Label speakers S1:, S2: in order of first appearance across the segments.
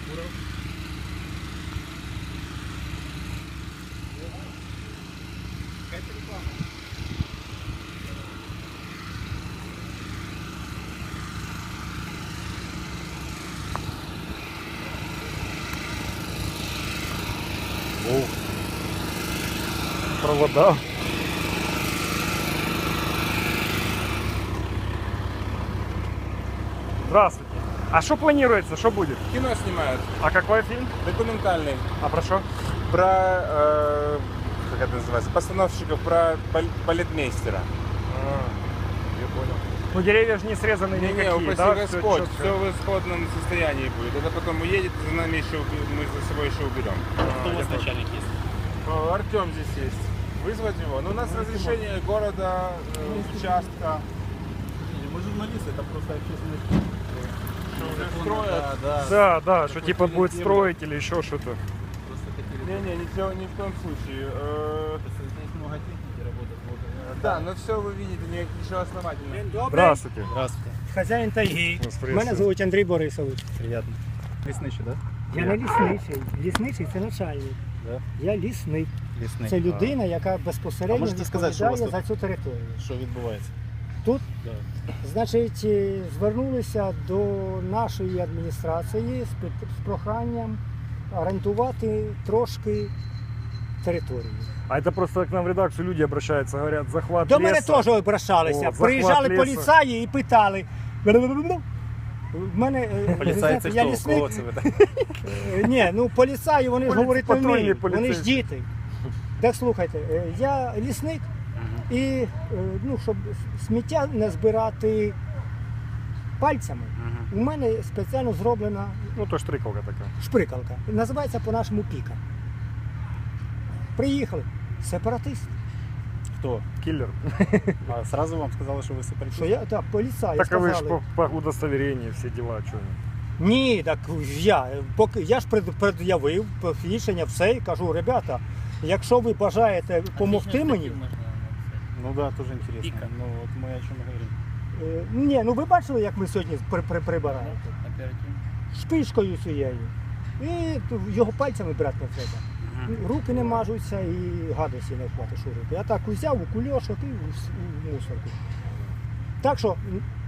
S1: Куров. Какая-то реклама.
S2: О, провода. Здравствуйте. А что планируется, что будет?
S1: Кино снимают.
S2: А какой фильм?
S1: Документальный.
S2: А про что?
S1: Про, как это называется, постановщиков, про балетмейстера.
S2: Я понял. Ну деревья же не срезаны никакие,
S1: упаси
S2: да?
S1: Господь,
S2: Всё
S1: все в исходном состоянии будет. Это потом уедет, за нами еще, мы за собой еще уберем.
S3: Кто у вас начальник есть?
S1: Артем здесь есть. Вызвать его? Ну, у нас разрешение города, участка.
S3: Мы журналисты, это просто общественность.
S1: Строят.
S2: Да, да, что типа будет строить или еще что-то.
S3: Просто хотели.
S1: Не-не, ни в коем случае.
S3: Здесь много техники работает.
S1: Да, но все вы видите, ничего основательного.
S2: Здравствуйте.
S3: Здравствуйте.
S4: Хазяїн тайги.
S2: Вас
S4: Мене
S2: приветствую.
S4: звуть Андрій Борисович.
S3: Приятно. Лісничий, да?
S4: Я не лісничий. Лісничий це начальник.
S3: Да?
S4: Я лісник.
S3: Лісний.
S4: Це людина, яка
S3: А
S4: безпосередньо
S3: можете сказати, що у вас
S4: відповідає
S3: тут?
S4: за цю територію.
S3: Що відбувається?
S4: Тут,
S3: Да.
S4: значить, звернулися до нашої адміністрації з проханням орендувати трошки територію.
S2: А это просто к нам в редакцию люди обращаются, говорят, захват
S4: До мене
S2: леса.
S4: теж обращалися.
S2: О, захват
S4: Приїжджали
S2: лісу.
S4: поліцаї і питали. В мене,
S3: Поліцаї
S4: знаєте,
S3: це
S4: я
S3: хто?
S4: лісник.
S3: Кого це ви так?
S4: Ні, ну поліцаї, вони ж говорити не
S2: патрульні
S4: вміють, вони ж
S2: поліцейські.
S4: діти. Так слухайте, я лісник і ну, щоб сміття не збирати пальцями, у мене спеціально зроблена
S2: Ну, то штрикалка такая.
S4: шприкалка. Називається по-нашому піка. Приїхали. Сепаратист.
S3: Хто?
S2: Киллер.
S3: А сразу вам сказали, що ви сепаратист?
S4: Що я, так, поліцаї
S2: Так а вы ж
S4: сказали.
S2: по удостоверению все дела, что
S4: Ні, так я ж пред'явив рішення все і кажу, ребята, якщо ви бажаєте допомогти мені,
S3: Ну да, тоже интересно. Ну вот мы о чем и говорим.
S4: ні, ну ви бачили, як ми сьогодні прибираємо? Шпишкою цією. І його пальцями брати не треба. Руки не мажуться і гадості не вхватиш у руки. Я так узяв у кульошок і в мусорку. Так що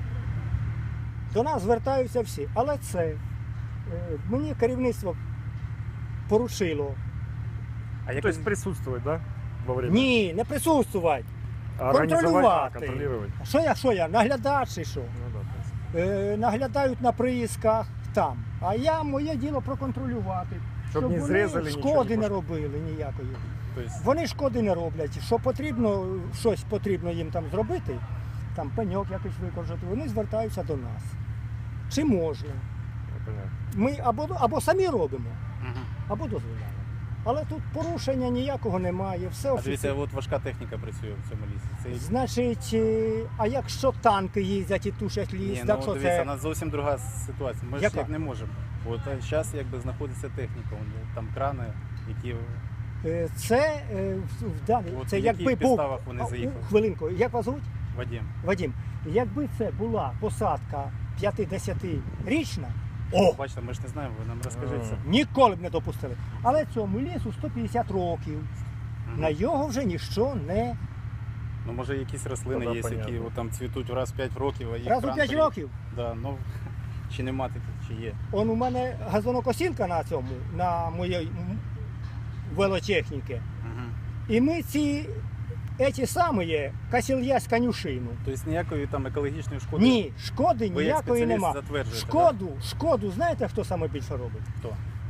S4: до нас звертаються всі. Але це мені керівництво поручило.
S3: А як
S2: То есть присутствовать, да? Во время?
S4: Ні, не присутствувати.
S2: А организовать,
S4: контролювати.
S2: контролировать.
S4: Що я, наглядач чи що?
S2: Ну да, то есть.
S4: Наглядають на приїздках там. А я моє діло проконтролювати.
S2: Щоб не
S4: вони
S2: зрізали, нічого
S4: шкоди
S2: не
S4: не робили ніякої.
S3: То есть,
S4: Вони шкоди не роблять. Що потрібно, щось потрібно їм там зробити, там пеньок якось викоржати, вони звертаються до нас. Чи можна?
S2: Я понял.
S4: Ми або самі робимо, або дозволяємо. Але тут порушення ніякого немає, все
S3: а дивіться,
S4: офіційно.
S3: от важка техніка працює в цьому лісі. Це...
S4: Значить, а якщо танки їздять і тушать ліс,
S3: Ні,
S4: так
S3: ну
S4: що
S3: дивіться,
S4: це...
S3: у нас зовсім друга ситуація. Ми ж
S4: Яка?
S3: як не можемо. От зараз якби знаходиться техніка, там крани, які
S4: Це,
S3: От
S4: це
S3: в
S4: якби
S3: яких
S4: був...
S3: підставах вони заїхали?
S4: Хвилинку, як вас звуть?
S3: Вадим.
S4: Вадим, якби це була посадка 50-річна,
S3: Бачите, ми ж не знаємо, ви нам розкажіть це.
S4: ніколи б не допустили. Але цьому лісу 150 років. На його вже ніщо не...
S3: Ну може якісь рослини
S2: Тоді
S3: є, які
S2: понятно.
S3: от, там цвітуть раз в 5 років, а їх
S4: Раз у
S3: кран
S4: 5
S3: стоїть.
S4: років.
S3: Да, ну, чи нема таких, чи є.
S4: Он у мене газонокосілка на цьому, на моїй велотехніці. І ми ці самі косільясь конюшину.
S3: Тобто ніякої там екологічної шкоди?
S4: Ні, шкоди
S3: Ви як
S4: ніякої
S3: спеціаліст
S4: нема.
S3: затверджуєте,
S4: Шкоду, знаєте, хто саме більше робить?
S3: Хто?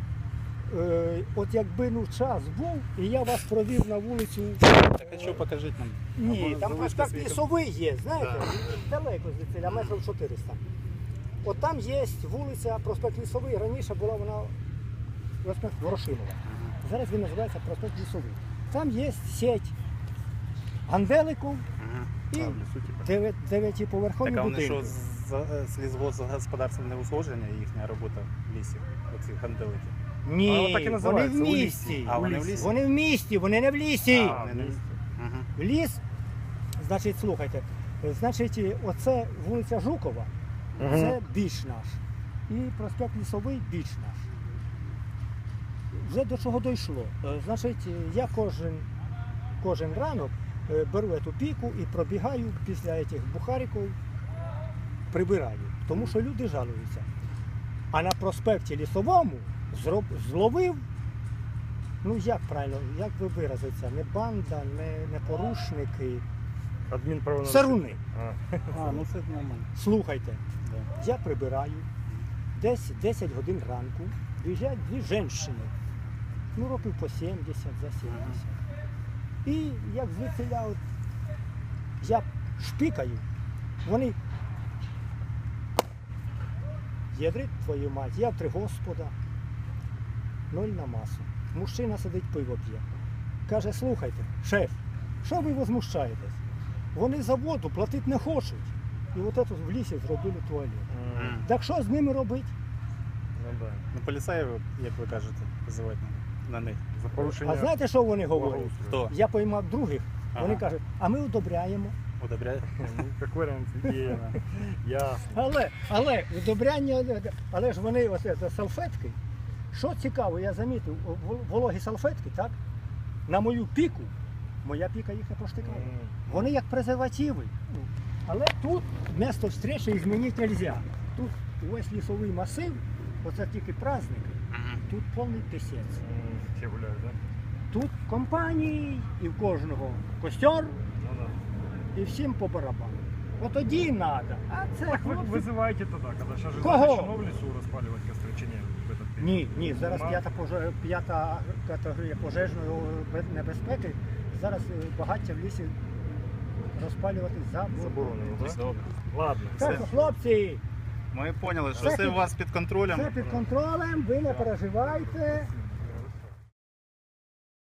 S4: От якби час був, і я вас провів на вулицю.
S3: Так а що покажіть нам?
S4: Ні,
S3: Або
S4: там
S3: залиште
S4: проспект
S3: свій
S4: Лісовий є, знаєте, далеко звідси, метрів 400. От там є вулиця проспект Лісовий, раніше була вона проспект Ворошилова. Зараз він називається проспект Лісовий. Там є сеть ганделиків і
S2: А, в лесу типа.
S4: дев'ятиповерхові
S3: Так а вони що,
S4: будинки.
S3: з лісгосподарством не узгодження їхня робота в лісі, оці ганделики?
S4: Ні,
S2: А, так і
S4: вони
S2: називається,
S4: в
S2: у лісі.
S4: місті.
S3: А вони в лісі?
S4: Вони в місті, вони не в лісі.
S2: А,
S3: Вони не в лісі. Мгм.
S4: В ліс, значить, слухайте, значить, оце вулиця Жукова,
S2: Мгм.
S4: це біч наш. І проспект Лісовий біч наш. вже до чого дійшло. Значить, я кожен ранок беру цю піку і пробігаю після цих бухариків, прибираю. Тому що люди жалуються. А на проспекті Лісовому зловив, ну як правильно, як ви виразиться, не банда, не порушники,
S2: Адмінправонарушення.
S4: саруни.
S3: А, ну це нормально.
S4: Слухайте,
S3: Да.
S4: я прибираю, десь 10 годин ранку, біжать дві жінки, ну років по 70, за 70. І як звідсиля, от, я шпикаю, вони ядрить твою мать, я в 3 Господа, 0 на масу. Мужчина сидить, пиво п'є. Каже, слухайте, шеф, що ви возмущаєтесь? Вони за воду платити не хочуть. І от це в лісі зробили туалет. Так що з ними робити?
S2: Ну, да.
S3: Ну, поліцаїв, як ви кажете, визивати на них.
S2: За порушення.
S4: А знаєте, що вони говорять?
S3: Хто?
S4: Я поймав других, вони
S3: Ага.
S4: кажуть, а ми одобряємо.
S3: Удобряє?
S2: Ну, як варіант є. Ясно.
S4: Але одобряння, але ж вони ось це салфетки. Що цікаво, я замітив, вологі салфетки, так? На мою піку, моя піка їх не проштикає. Вони як презервативи. Але тут місто встречі змінити не можна. Тут весь лісовий масив, оце тільки праздники, тут повний пісець.
S2: Всі гуляють, так?
S4: Тут компанії, і в кожного костер,
S2: Ну, да.
S4: і всім по барабану. От тоді треба. А це
S2: Так вы
S4: хлопці...
S2: вызываете тогда, когда сейчас же
S4: Кого?
S2: запрещено в лесу распаливать костры, чи ні, в этот период?
S4: Ні, зараз
S2: Нема?
S4: п'ята категорія пожежної небезпеки. Зараз багаття в лісі розпалювати заборонено.
S2: Заборонено, так?
S3: Добре.
S2: Ладно.
S4: Так, що, хлопці,
S3: Ми поняли, що
S4: Це
S3: все
S4: під-
S3: у вас під контролем.
S4: все під контролем, ви не переживайте.